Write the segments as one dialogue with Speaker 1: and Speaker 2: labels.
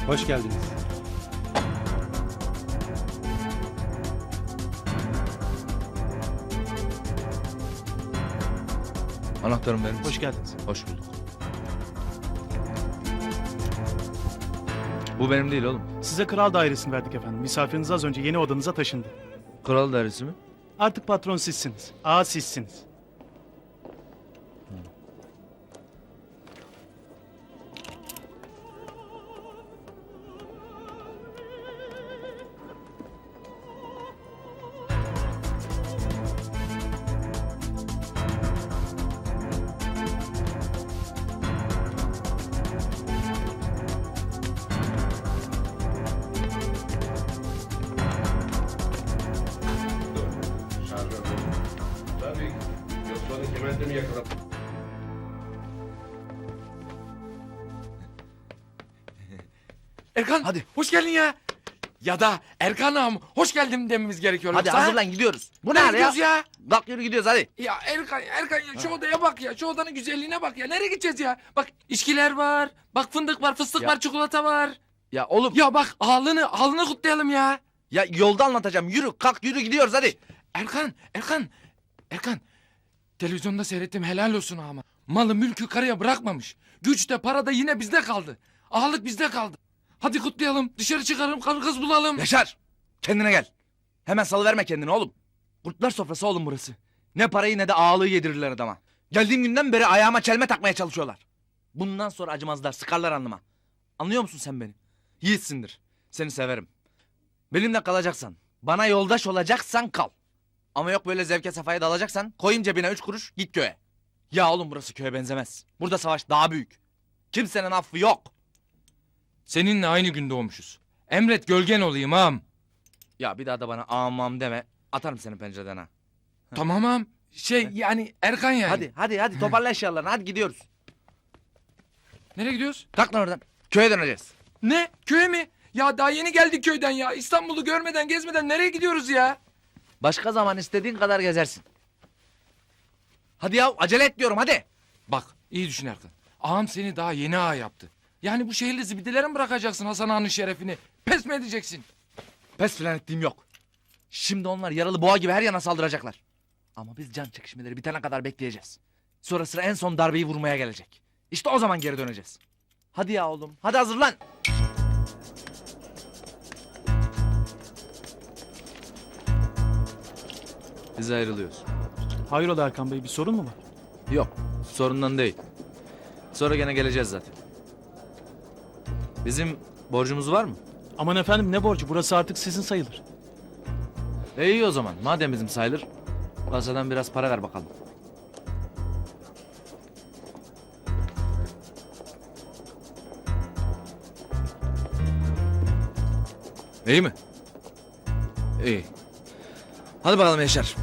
Speaker 1: Hoş geldiniz.
Speaker 2: Anahtarım benim.
Speaker 3: Hoş geldiniz.
Speaker 2: Hoş bulduk. Bu benim değil oğlum.
Speaker 3: Size kral dairesini verdik efendim. Misafiriniz az önce yeni odanıza taşındı.
Speaker 2: Kral dairesi mi?
Speaker 3: Artık patron sizsiniz. Ağa sizsiniz.
Speaker 4: Tabii. Yoksa onu kemerde mi yakalar?
Speaker 5: Erkan
Speaker 2: Hadi.
Speaker 5: hoş geldin ya. Ya da Erkan ağam hoş geldin dememiz gerekiyor.
Speaker 2: Hadi
Speaker 5: yoksa, ha?
Speaker 2: hazırlan gidiyoruz. Bu ne
Speaker 5: Nereye
Speaker 2: hal ya?
Speaker 5: gidiyoruz ya?
Speaker 2: Kalk yürü gidiyoruz hadi.
Speaker 5: Ya Erkan ya şu odaya bak ya. Şu odanın güzelliğine bak ya. Nereye gideceğiz ya? Bak içkiler var. Bak fındık var, fıstık
Speaker 2: Ya.
Speaker 5: var, çikolata var.
Speaker 2: Ya oğlum
Speaker 5: Ya bak ağlını kutlayalım ya.
Speaker 2: ya yolda anlatacağım. Yürü kalk yürü gidiyoruz hadi.
Speaker 5: Erkan. Televizyonda seyrettim helal olsun ama. Malı mülkü karıya bırakmamış. Güç de para da yine bizde kaldı. Ağalık bizde kaldı. Hadi kutlayalım. Dışarı çıkaralım. Karı kız bulalım.
Speaker 2: Yaşar kendine gel. Hemen salıverme kendini oğlum. Kurtlar sofrası oğlum burası. Ne parayı ne de ağalığı yedirirler adama. Geldiğim günden beri ayağıma çelme takmaya çalışıyorlar. Bundan sonra acımazlar sıkarlar alnıma. Anlıyor musun sen beni? Yiğitsindir. Seni severim. Benimle kalacaksan, bana yoldaş olacaksan kal. Ama yok böyle zevke sefaya dalacaksan koyayım cebine 3 kuruş git köye. Ya oğlum burası köye benzemez. Burada savaş daha büyük. Kimsenin affı yok.
Speaker 5: Seninle aynı gün doğmuşuz. Emret gölgen olayım ağam.
Speaker 2: Ya bir daha da bana amam deme. Atarım seni pencereden ha.
Speaker 5: Tamam ağam. Yani Erkan yani.
Speaker 2: Hadi toparla eşyalarını hadi gidiyoruz.
Speaker 5: Nereye gidiyoruz?
Speaker 2: Kalk lan oradan. Köye döneceğiz.
Speaker 5: Ne? Köye mi? Ya daha yeni geldik köyden ya. İstanbul'u görmeden gezmeden nereye gidiyoruz ya?
Speaker 2: Başka zaman istediğin kadar gezersin. Hadi ya acele et diyorum hadi.
Speaker 5: Bak iyi düşün Erkan. Ağam seni daha yeni ağa yaptı. Yani bu şehirli zibidelere mi bırakacaksın Hasan Ağa'nın şerefini? Pes mi edeceksin?
Speaker 2: Pes filan ettiğim yok. Şimdi onlar yaralı boğa gibi her yana saldıracaklar. Ama biz can çekişmeleri bitene kadar bekleyeceğiz. Sonra sıra en son darbeyi vurmaya gelecek. İşte o zaman geri döneceğiz. Hadi ya oğlum hadi hazırlan. Biz ayrılıyoruz.
Speaker 3: Hayrola Erkan Bey, bir sorun mu var?
Speaker 2: Yok sorundan değil. Sonra gene geleceğiz zaten. Bizim borcumuz var mı?
Speaker 3: Aman efendim, ne borcu? Burası artık sizin sayılır.
Speaker 2: İyi o zaman madem bizim sayılır. Kasadan biraz para ver bakalım. İyi mi? İyi. Hadi bakalım Yaşar.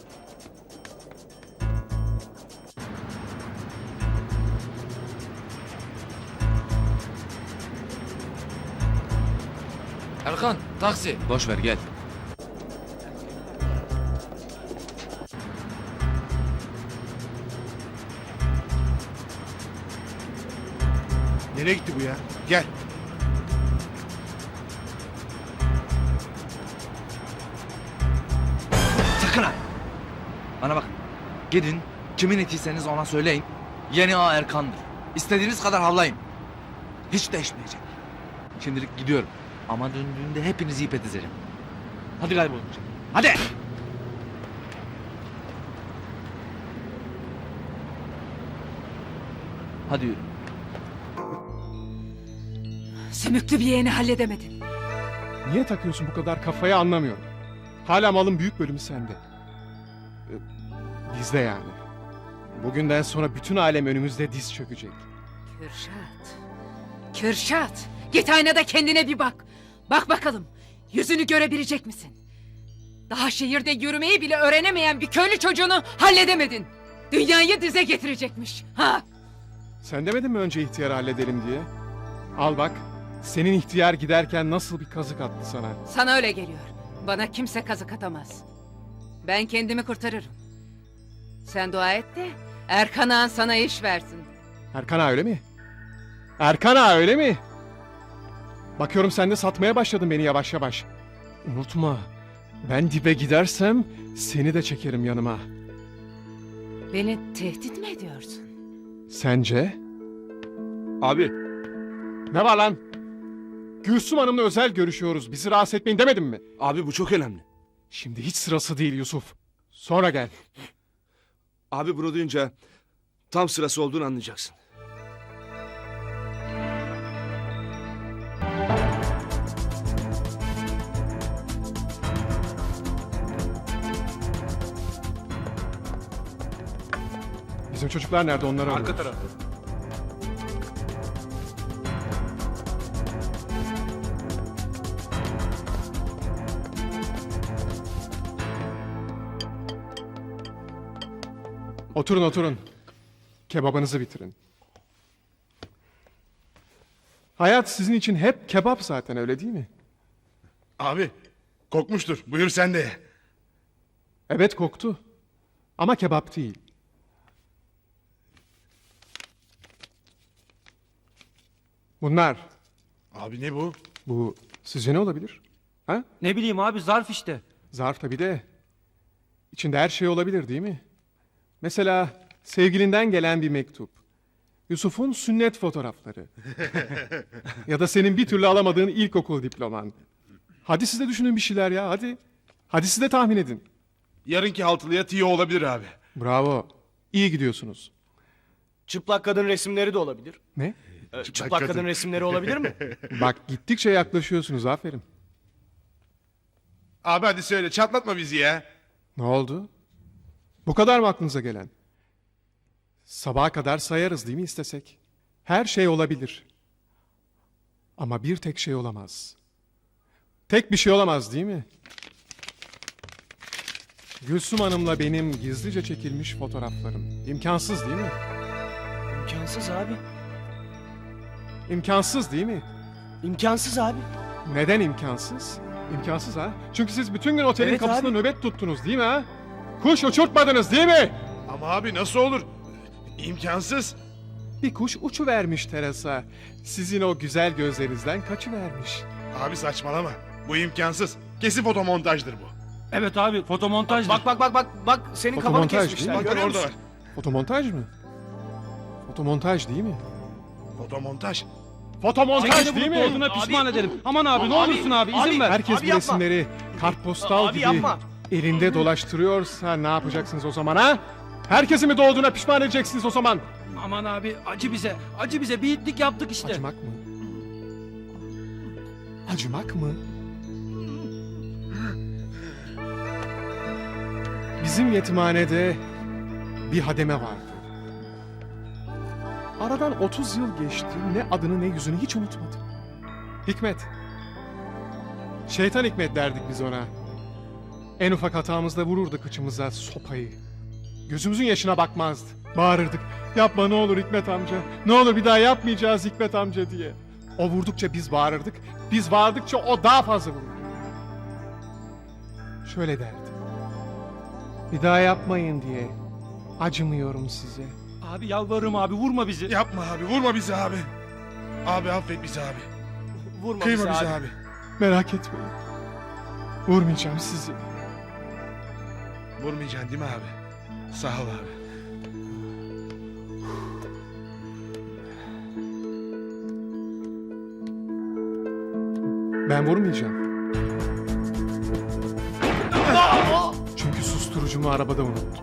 Speaker 5: Erkan taksi.
Speaker 2: Boş ver gel.
Speaker 4: Nereye gitti bu ya? Gel.
Speaker 2: Sakın ha. Bana bak. Gidin kimin etiyseniz ona söyleyin. Yeni ağa Erkan'dır. İstediğiniz kadar havlayın. Hiç değişmeyecek. Şimdilik gidiyorum. Ama döndüğünde hepinizi ip edeceğim. Hadi kaybolun. Hadi. Hadi yürü.
Speaker 6: Sümüklü bir yeğeni halledemedin.
Speaker 7: Niye takıyorsun bu kadar kafaya anlamıyorum. Hala malın büyük bölümü sende. Bizde yani. Bugünden sonra bütün alem önümüzde diz çökecek.
Speaker 6: Kürşat, git aynada kendine bir bak. Bak bakalım, yüzünü görebilecek misin? Daha şehirde yürümeyi bile öğrenemeyen bir köylü çocuğunu halledemedin. Dünyayı dize getirecekmiş. Ha?
Speaker 7: Sen demedin mi önce ihtiyarı halledelim diye? Al bak, senin ihtiyar giderken nasıl bir kazık attı sana.
Speaker 6: Sana öyle geliyor. Bana kimse kazık atamaz. Ben kendimi kurtarırım. Sen dua et de Erkan Ağan sana iş versin.
Speaker 7: Erkan Ağa öyle mi? Erkan Ağa öyle mi? Bakıyorum sen de satmaya başladın beni yavaş yavaş. Unutma, ben dibe gidersem seni de çekerim yanıma.
Speaker 6: Beni tehdit mi ediyorsun?
Speaker 7: Sence?
Speaker 4: Abi
Speaker 7: Ne var lan? Gülsüm Hanım'la özel görüşüyoruz. Bizi rahatsız etmeyin demedim mi?
Speaker 4: abi bu çok önemli.
Speaker 7: Şimdi hiç sırası değil Yusuf. Sonra gel.
Speaker 4: Abi bunu duyunca tam sırası olduğunu anlayacaksın.
Speaker 7: Bizim çocuklar nerede, onları arıyoruz.
Speaker 4: tarafta.
Speaker 7: Oturun oturun. Kebabınızı bitirin. Hayat sizin için hep kebap zaten, öyle değil mi?
Speaker 1: Abi kokmuştur. Buyur sen de ye.
Speaker 7: Evet, koktu. Ama kebap değil. Bunlar.
Speaker 1: Abi ne bu?
Speaker 7: Bu sizce ne olabilir? Ha?
Speaker 8: Ne bileyim abi zarf işte.
Speaker 7: Zarf tabii de. İçinde her şey olabilir değil mi? Mesela sevgilinden gelen bir mektup. Yusuf'un sünnet fotoğrafları. Ya da senin bir türlü alamadığın ilkokul diploman. Hadi siz de düşünün bir şeyler ya, hadi. Hadi siz de tahmin edin.
Speaker 1: Yarınki haltılıya tiyo olabilir abi.
Speaker 7: Bravo. İyi gidiyorsunuz.
Speaker 8: Çıplak kadın resimleri de olabilir.
Speaker 7: Ne?
Speaker 8: Çıplak kadın resimleri olabilir mi?
Speaker 7: Bak gittikçe yaklaşıyorsunuz, aferin.
Speaker 1: Abi hadi söyle çatlatma bizi ya.
Speaker 7: Ne oldu? Bu kadar mı aklınıza gelen? Sabaha kadar sayarız değil mi istesek? Her şey olabilir. Ama bir tek şey olamaz. Tek bir şey olamaz değil mi? Gülsüm Hanım'la benim gizlice çekilmiş fotoğraflarım. İmkansız değil mi?
Speaker 8: İmkansız abi.
Speaker 7: İmkansız değil mi?
Speaker 8: İmkansız abi.
Speaker 7: Neden imkansız? İmkansız ha? Çünkü siz bütün gün otelin
Speaker 8: Evet
Speaker 7: kapısında
Speaker 8: abi.
Speaker 7: nöbet tuttunuz değil mi ha? Kuş uçurtmadınız değil mi?
Speaker 1: Ama abi nasıl olur? İmkansız.
Speaker 7: Bir kuş uçuvermiş terasa. Sizin o güzel gözlerinizden kaçıvermiş.
Speaker 1: Abi saçmalama. Bu imkansız. Kesin fotomontajdır bu.
Speaker 8: Evet abi fotomontaj. Bak senin kafanı
Speaker 7: Fotomontaj
Speaker 8: kesmişler.
Speaker 7: değil mi?
Speaker 1: Bak
Speaker 8: Görüyor
Speaker 1: orada
Speaker 8: musun?
Speaker 1: var.
Speaker 7: Fotomontaj mı? Fotomontaj değil mi?
Speaker 1: Fotomontaj.
Speaker 7: Fotomontaj değil mi?
Speaker 8: Olduğuna pişman ederim. Aman abi ne olursun abi izin ver.
Speaker 7: Herkes
Speaker 8: Abi
Speaker 7: bu
Speaker 8: yapma.
Speaker 7: resimleri kartpostal
Speaker 8: Abi
Speaker 7: gibi
Speaker 8: yapma.
Speaker 7: elinde dolaştırıyorsa ne yapacaksınız o zaman ha? Herkesi mi doğduğuna pişman edeceksiniz o zaman?
Speaker 8: Aman abi acı bize. Acı bize bir itlik yaptık işte.
Speaker 7: Acımak mı? Acımak mı? Bizim yetimhanede bir hademe vardı. Aradan 30 yıl geçti. Ne adını ne yüzünü hiç unutmadım. Hikmet. Şeytan Hikmet derdik biz ona. En ufak hatamızda vururdu kıçımıza sopayı. Gözümüzün yaşına bakmazdı. Bağırırdık. Yapma ne olur Hikmet amca. Ne olur bir daha yapmayacağız Hikmet amca diye. O vurdukça biz bağırırdık. Biz bağırdıkça o daha fazla vururdu. Şöyle derdi. Bir daha yapmayın diye. Acımıyorum size.
Speaker 8: Abi yalvarırım abi vurma bizi.
Speaker 1: Yapma abi vurma bizi abi. Abi affet bizi abi.
Speaker 8: Vurma
Speaker 1: Kıyma
Speaker 8: bizi
Speaker 1: bizi
Speaker 8: abi.
Speaker 1: abi.
Speaker 7: Merak etmeyin. Vurmayacağım sizi.
Speaker 1: Vurmayacaksın değil mi abi? Sağ ol abi.
Speaker 7: Ben vurmayacağım. Çünkü susturucumu arabada unuttum.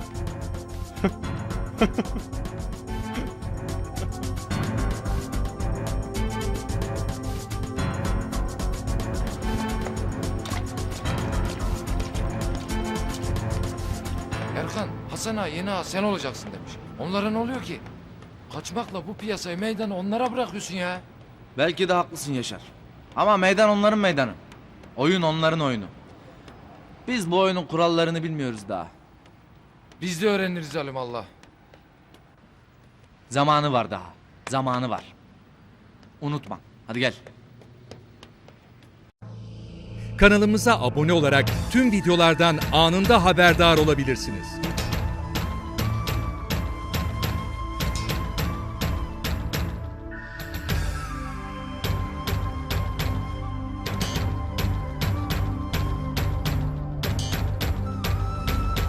Speaker 5: Erkan, Hasan ağa yeni ağa sen olacaksın demiş. Onlara ne oluyor ki? Kaçmakla bu piyasayı meydanı onlara bırakıyorsun ya.
Speaker 2: Belki de haklısın Yaşar. Ama meydan onların meydanı. Oyun onların oyunu. Biz bu oyunun kurallarını bilmiyoruz daha.
Speaker 5: Biz de öğreniriz Allah.
Speaker 2: Zamanı var daha. Zamanı var. Unutma. Hadi gel.
Speaker 9: Kanalımıza abone olarak tüm videolardan anında haberdar olabilirsiniz.